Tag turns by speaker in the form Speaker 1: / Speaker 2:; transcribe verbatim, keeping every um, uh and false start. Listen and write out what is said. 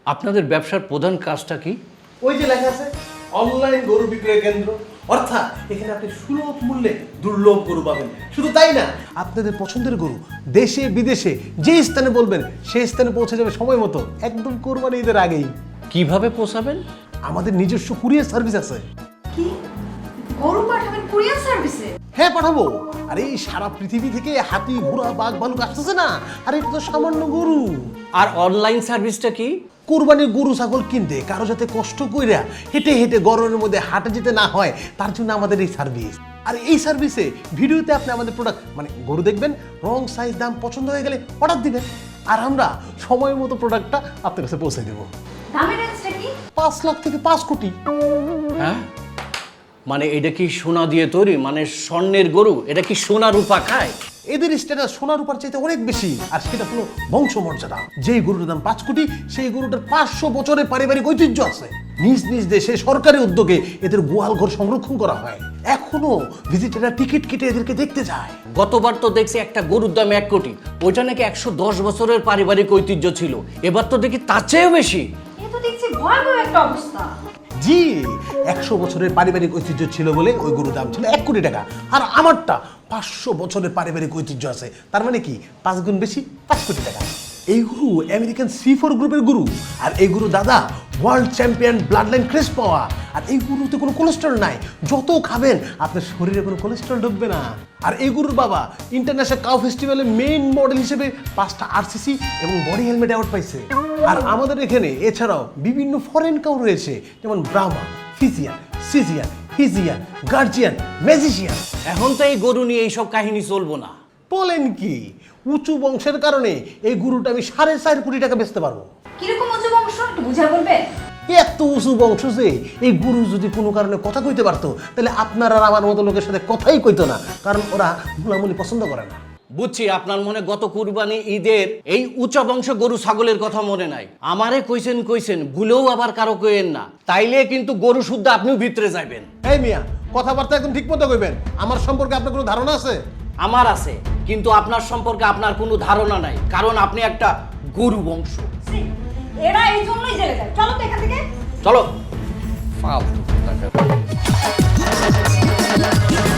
Speaker 1: আপনাদের ব্যবসার প্রধান কাজটা কি?
Speaker 2: ওই যে লেখা আছে অনলাইন গরু বিক্রয় কেন্দ্র, অর্থাৎ এখানে আপনি সুলভ মূল্যে দুর্লভ গরু পাবেন। শুধু তাই না, আপনাদের পছন্দের গরু দেশে বিদেশে যে স্থানে বলবেন সেই স্থানে পৌঁছে যাবে সময় মতো, একদম কোরবানি ঈদের আগেই।
Speaker 1: কিভাবে পোষাবেন?
Speaker 2: আমাদের নিজস্ব কুরিয়ার সার্ভিস আছে।
Speaker 3: কি গরু পাঠাবেন কুরিয়ার সার্ভিসে?
Speaker 2: হ্যাঁ পাঠাবো। আরে এই সারা পৃথিবী থেকে হাতি ঘোড়া বাঘ ভালুক আসতেছে না, আরে এটা তো সামান্য গরু।
Speaker 1: আর অনলাইন সার্ভিসটা কি?
Speaker 2: কোরবানির গরু ছাগল কিনতে কারো যাতে কষ্ট কইরা হেঁটে হেঁটে গরমের মধ্যে হাটে যেতে না হয় তার জন্য আমাদের এই সার্ভিস। আর এই সার্ভিসে ভিডিওতে আপনি আমাদের প্রোডাক্ট মানে গরু দেখবেন, রং সাইজ দাম পছন্দ হয়ে গেলে অর্ডার দিবেন, আর আমরা সময় মতো প্রোডাক্টটা আপনার কাছে পৌঁছে দেবো।
Speaker 3: দামের রেঞ্জটা কি?
Speaker 2: পাঁচ লাখ থেকে পাঁচ কোটি।
Speaker 1: হ্যাঁ, মানে এটা কি সোনা দিয়ে তৈরি? মানে স্বর্ণের গরু? এটা কি সোনা রূপা খায়?
Speaker 2: এদের স্ট্যাটাস সোনার উপর চাইতে অনেক বেশি, আর সেটা হলো বংশমর্যাদা। যেই গরুটার দাম পাঁচ কোটি সেই গরুটার পাঁচশো বছরের পারিবারিক ঐতিহ্য আছে। নিজ নিজ দেশে সরকারি উদ্যোগে এদের গোয়াল ঘর সংরক্ষণ করা হয়, এখনো ভিজিটাররা টিকিট কেটে এদেরকে দেখতে যায়।
Speaker 1: গতবার তো দেখছি একটা গরুর দাম এক কোটি, ওইটা নাকি একশো দশ বছরের পারিবারিক ঐতিহ্য ছিল। এবার তো দেখি তার চেয়েও বেশি।
Speaker 3: এ তো দেখছি ভয়াবহ একটা অবস্থা।
Speaker 2: জি, একশো বছরের পারিবারিক ঐতিহ্য ছিল বলে ওই গরুর দাম ছিল এক কোটি টাকা, আর আমারটা পাঁচশো বছরের পারিবারিক ঐতিহ্য আছে, তার মানে কি পাঁচ গুণ বেশি, পাঁচ কোটি টাকা। এই গরু আমেরিকান সি ফোর গ্রুপের গরু, আর এই গরু দাদা ওয়ার্ল্ড চ্যাম্পিয়ন ব্লাড লাইন ক্রেস পাওয়া। আর এই গরুতে কোনো কোলেস্ট্রল নাই, যত খাবেন আপনার শরীরে কোনো কোলেস্ট্রল ঢুকবে না। আর এই গরুর বাবা ইন্টারন্যাশনাল কাউ ফেস্টিভ্যালে মেইন মডেল হিসেবে পাঁচটা আরসিসি এবং বডি হেলমেট অ্যাওয়ার্ড পাইছে। আর আমাদের এখানে এছাড়াও বিভিন্ন ফরেন কাউ রয়েছে, যেমন ব্রাহ্মা, ফিজিয়ান, সিজিয়ান, হিজিয়ান, গার্জিয়ান, ম্যাজিশিয়ান।
Speaker 1: এখন তো এই গরু নিয়ে এইসব কাহিনী চলবো না।
Speaker 2: বলেন কি, উঁচু বংশের কারণে এই গরুটা আমি সাড়ে চার কোটি টাকা বেচতে পারবো।
Speaker 3: কিরকম উঁচু বংশ একটু বুঝা বলবেন?
Speaker 2: এত উঁচু বংশ যে এই গরু যদি কোনো কারণে কথা কইতে পারতো তাহলে আপনার আর আমার মতো লোকের সাথে কথাই কইতো না, কারণ ওরা গুলামুলি পছন্দ করে না।
Speaker 1: বুঝছি আপনার মনে গত কুরবানি ঈদের এই উচ্চ বংশ গরু ছাগলের কথা মনে নাই। আমারে কইছেন কইছেন ভুলেও আবার কারো কইেন না, তাইলে কিন্তু গরু শুদ্ধ আপনিও ভিতরে যাবেন।
Speaker 2: এই মিয়া, কথাবার্তা একদম ঠিক মতো কইবেন। আমার সম্পর্কে আপনার কোনো ধারণা আছে?
Speaker 1: আমার আছে, কিন্তু আপনার সম্পর্কে আপনার কোনো ধারণা নাই, কারণ আপনি একটা গরু বংশ।
Speaker 3: ছি, এরা এই জন্যই জেলে যায়। চলো তো এখান থেকে।
Speaker 1: চলো। ফালতু।